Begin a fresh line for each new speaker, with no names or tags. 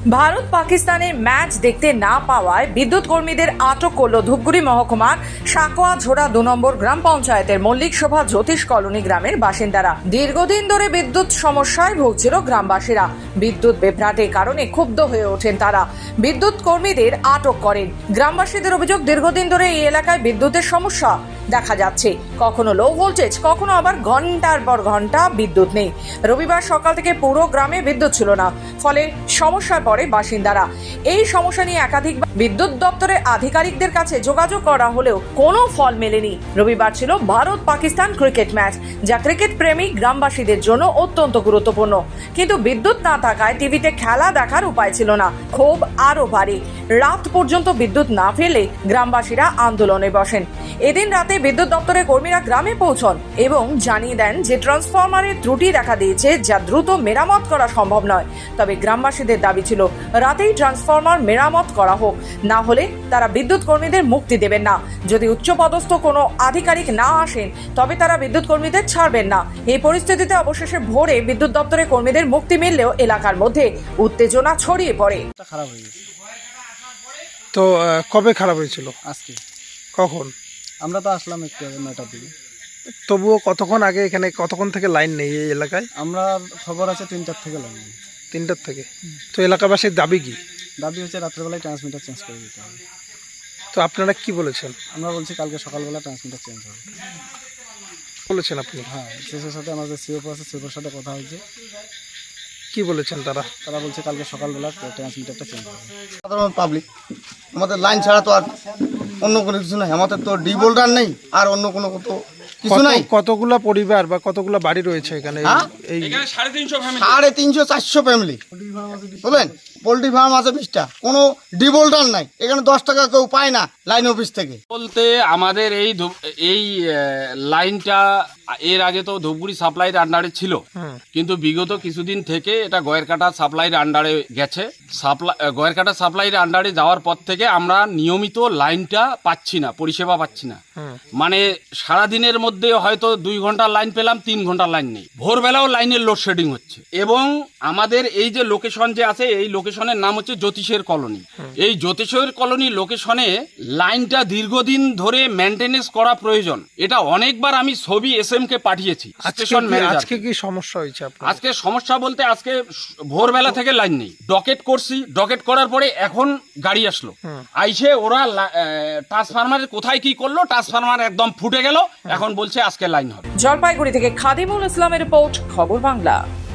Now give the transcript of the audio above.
ভারত পাকিস্তানের ম্যাচ দেখতে না পাওয়ায় বিদ্যুৎ কর্মীদের আটক করল ধূপগুড়ি মহকুমার সাকোয়া ঝোড়া ২ নম্বর গ্রাম পঞ্চায়েতের মল্লিক শোভা জ্যোতিষ কলোনি গ্রামের বাসিন্দারা। দীর্ঘদিন ধরে বিদ্যুৎ সমস্যায় ভুগছিল গ্রামবাসীরা। বিদ্যুৎ বিভ্রাটের কারণে ক্ষুব্ধ হয়ে ওঠেন তারা। বিদ্যুৎ কর্মীদের আটক করেন। গ্রামবাসীদের অভিযোগ, দীর্ঘদিন ধরে এই এলাকায় বিদ্যুতের সমস্যা দেখা যাচ্ছে। কখনো লো ভোল্টেজ, কখনো আবার ঘন্টার পর ঘন্টা বিদ্যুৎ নেই। রবিবার সকাল থেকে পুরো গ্রামে বিদ্যুৎ ছিল না, ফলে সমস্যায় পড়ে বাসিন্দারা। এই সমস্যা নিয়ে একাধিক বিদ্যুৎ দপ্তরের আধিকারিকদের কাছে যোগাযোগ করা হলেও কোনো ফল মেলেনি। রবিবার ছিল ভারত পাকিস্তান ক্রিকেট ম্যাচ, যা ক্রিকেট প্রেমী গ্রামবাসীদের জন্য অত্যন্ত গুরুত্বপূর্ণ। কিন্তু বিদ্যুৎ না থাকায় টিভিতে খেলা দেখার উপায় ছিল না। ক্ষোভ আরও বাড়ে। রাত পর্যন্ত বিদ্যুৎ না ফেলে গ্রামবাসীরা আন্দোলনে বসেন। এদিন রাতে বিদ্যুৎ দপ্তরের কর্মীরা গ্রামে পৌঁছন এবং জানিয়ে দেন যে ট্রান্সফরমারের ত্রুটি দেখা দিয়েছে, যা দ্রুত মেরামত করা সম্ভব নয়। তবে গ্রামবাসীদের দাবি ছিল রাতেই ট্রান্সফরমার মেরামত করা হোক, না হলে তারা বিদ্যুৎ কর্মীদের মুক্তি দেবেন না। যদি উচ্চপদস্থ কোনো আধিকারিক না আসেন, তবে তারা বিদ্যুৎ কর্মীদের ছাড়বেন না। এই পরিস্থিতিতে অবশেষে ভোরে বিদ্যুৎ দপ্তরের কর্মীদের মুক্তি মিললেও এলাকার মধ্যে উত্তেজনা ছড়িয়ে পড়ে।
খারাপ হয়ে গেছে।
তো কবে খারাপ হয়েছিল?
আজকে
কখন?
আমরা তো আসলাম একটু আগে 9টার দিকে।
তবুও কতক্ষণ আগে এখানে কতক্ষণ থেকে লাইন নেই এই এলাকায়?
আমরা খবর আছে 3টার থেকে লাইন নেই।
3টার থেকে। তো এলাকাবাসীর দাবি কি?
দাবি হচ্ছে রাত্রেবেলায় ট্রান্সমিটার চেঞ্জ করে দিতে হবে।
তো আপনারা কি বলেছেন?
আমরা বলছি কালকে সকালবেলা ট্রান্সমিটার চেঞ্জ হবে।
বলেছেন আপনি?
হ্যাঁ, শেষের সাথে আমাদের সিওপো আছে, সিওপোর সাথে কথা হয়েছে।
কি বলেছেন তারা?
তারা বলছে কালকে সকালবেলা ট্রান্সমিটারটা চেঞ্জ হবে।
সাধারণ পাবলিক আমাদের লাইন ছাড়া তো আর অন্য কোনো কিছু নাই। আমাদের তো ডি বোল্ডার নেই, আর অন্য কোনো তো কিছু নাই।
কতগুলা পরিবার বা কতগুলা বাড়ি রয়েছে এখানে? এই
350-400 ফ্যামিলি। বলেন, পোল্ট্রি ফার্ম আছে 20টা, কোনো ডি বোল্ডার নাই। এখানে 10 টাকা কেউ পায় না লাইন অফিস থেকে।
বলতে আমাদের এই লাইনটা এর আগে তো ধূপগুড়ি সাপ্লাইয়ের আন্ডারে ছিল, কিন্তু বিগত কিছুদিন থেকে এটা গয়েরকাটা সাপ্লাইয়ের আন্ডারে গেছে। গয়েরকাটা সাপ্লাইয়ের আন্ডারে যাওয়ার পর থেকে আমরা নিয়মিত লাইনটা পাচ্ছি না, পরিষেবা পাচ্ছি না। মানে সারাদিনের মধ্যে হয়তো 2 ঘন্টা লাইন পেলাম, 3 ঘন্টা লাইন নেই। ভোরবেলাও লাইনের লোডশেডিং হচ্ছে। এবং আমাদের এই যে লোকেশন যে আছে, এই লোকেশনের নাম হচ্ছে জ্যোতিষের কলোনি। এই জ্যোতিষের কলোনি লোকেশনে লাইনটা দীর্ঘদিন ধরে মেনটেনেন্স করা প্রয়োজন। এটা অনেকবার আমি ছবি এসএমকে পাঠিয়েছি।
আজকে কি সমস্যা হয়েছে আপনার?
আজকে সমস্যা বলতে আজকে ভোরবেলা থেকে লাইন নেই। ডকেট করছি, ডকেট করার পরে এখন গাড়ি আসলো, আইসে ওরা ট্রান্সফরমারের কোথায় কি করলো, ট্রান্সফরমার একদম ফুটে গেল। এখন বলছে আজকে লাইন হবে।
জলপাইগুড়ি থেকে খাদিমুল ইসলামের রিপোর্ট, খবর বাংলা।